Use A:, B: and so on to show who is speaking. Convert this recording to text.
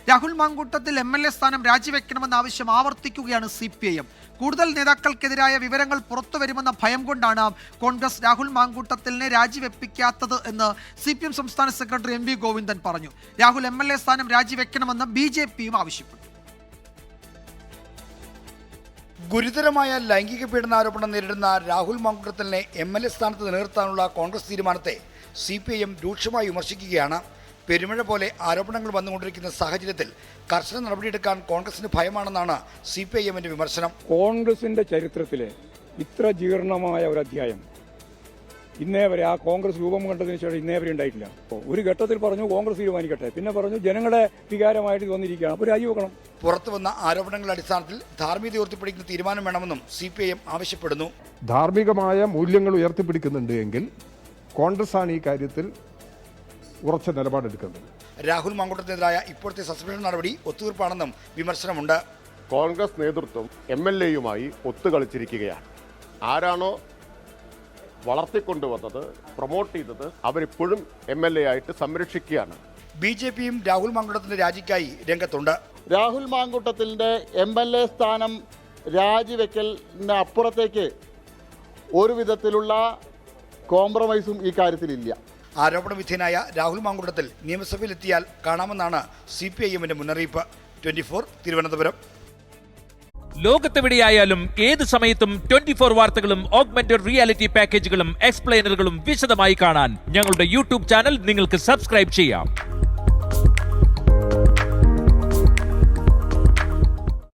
A: Rahul Mamkootathil MLA സ്ഥാനം രാജിവെക്കണമെന്ന ആവശ്യം ആവർത്തിക്കുകയാണ് CPIM. കൂടുതൽ നേതാക്കൾക്കെതിരായ വിവരങ്ങൾ പുറത്തുവരുമെന്ന ഭയം കൊണ്ടാണ് കോൺഗ്രസ് രാഹുൽ മാങ്കൂട്ടത്തിലിനെ രാജിവെപ്പിക്കാത്തത് എന്ന് CPM സംസ്ഥാന സെക്രട്ടറി MV ഗോവിന്ദൻ പറഞ്ഞു. രാഹുൽ MLA സ്ഥാനം രാജിവെക്കണമെന്ന് BJPയും ആവശ്യപ്പെട്ടു.
B: ഗുരുതരമായ ലൈംഗിക പീഡനാരോപണം നേരിടുന്ന രാഹുൽ മാങ്കൂട്ടത്തിലിനെ MLA സ്ഥാനത്ത് നിലനിർത്താനുള്ള കോൺഗ്രസ് തീരുമാനത്തെ CPIM രൂക്ഷമായി വിമർശിക്കുകയാണ്. പെരുമഴ പോലെ ആരോപണങ്ങൾ വന്നുകൊണ്ടിരിക്കുന്ന സാഹചര്യത്തിൽ കർശന നടപടിയെടുക്കാൻ കോൺഗ്രസിന് ഭയമാണെന്നാണ് CPIMന്റെ വിമർശനം.
C: കോൺഗ്രസിന്റെ ചരിത്രത്തിലെ ഇത്ര ജീർണമായ ഒരു അധ്യായം ഇന്നേ വരെ ആ കോൺഗ്രസ് രൂപം കണ്ടതിന് ശേഷം ഇന്നേ വരെ ഉണ്ടായിട്ടില്ല. ഒരു ഘട്ടത്തിൽ പറഞ്ഞു കോൺഗ്രസ് തീരുമാനിക്കട്ടെ, പിന്നെ പറഞ്ഞു ജനങ്ങളുടെ വികാരമായിട്ട് വന്നിരിക്കുകയാണ്, അപ്പോൾ രാജിവെക്കണം.
B: പുറത്തു വന്ന ആരോപണങ്ങളുടെ അടിസ്ഥാനത്തിൽ ധാർമ്മികത ഉയർത്തിപ്പിടിക്കുന്ന തീരുമാനം വേണമെന്നും CPIM ആവശ്യപ്പെടുന്നു.
D: ധാർമ്മികമായ മൂല്യങ്ങൾ ഉയർത്തിപ്പിടിക്കുന്നുണ്ട് എങ്കിൽ കോൺഗ്രസ് ആണ് ഈ കാര്യത്തിൽ ഉറച്ച നിലപാടെടുക്കുന്നത്.
B: രാഹുൽ മാങ്കൂട്ടത്തിനെതിരായ ഇപ്പോഴത്തെ സസ്പെൻഷൻ നടപടി ഒത്തുതീർപ്പാണെന്നും വിമർശനമുണ്ട്.
E: കോൺഗ്രസ് നേതൃത്വം MLAയുമായി ഒത്തുകളിച്ചിരിക്കുകയാണ്. ആരാണോ വളർത്തിക്കൊണ്ടുവന്നത്, പ്രൊമോട്ട് ചെയ്തത്, അവരിപ്പോഴും MLA ആയിട്ട് സംരക്ഷിക്കുകയാണ്.
B: BJPയും രാഹുൽ മാങ്കൂട്ടത്തിന്റെ രാജിക്കായി രംഗത്തുണ്ട്.
F: രാഹുൽ മാങ്കൂട്ടത്തിൻ്റെ MLA സ്ഥാനം രാജിവെക്കലിന് അപ്പുറത്തേക്ക് ഒരു വിധത്തിലുള്ള കോംപ്രമൈസും ഈ കാര്യത്തിലില്ല.
B: ആരോപണ വിധേയനായ രാഹുൽ മാങ്കൂട്ടത്തിൽ നിയമസഭയിലെത്തിയാൽ കാണാമെന്നാണ് CPIMന്റെ മുന്നറിയിപ്പ്. 24 തിരുവനന്തപുരം.
G: ലോകത്തെവിടെയായാലും ഏത് സമയത്തും 24 വാർത്തകളും ഓഗ്മെന്റഡ് റിയാലിറ്റി പാക്കേജുകളും എക്സ്പ്ലെയിനറുകളും വിശദമായി കാണാൻ ഞങ്ങളുടെ YouTube ചാനൽ നിങ്ങൾക്ക് സബ്സ്ക്രൈബ് ചെയ്യാം.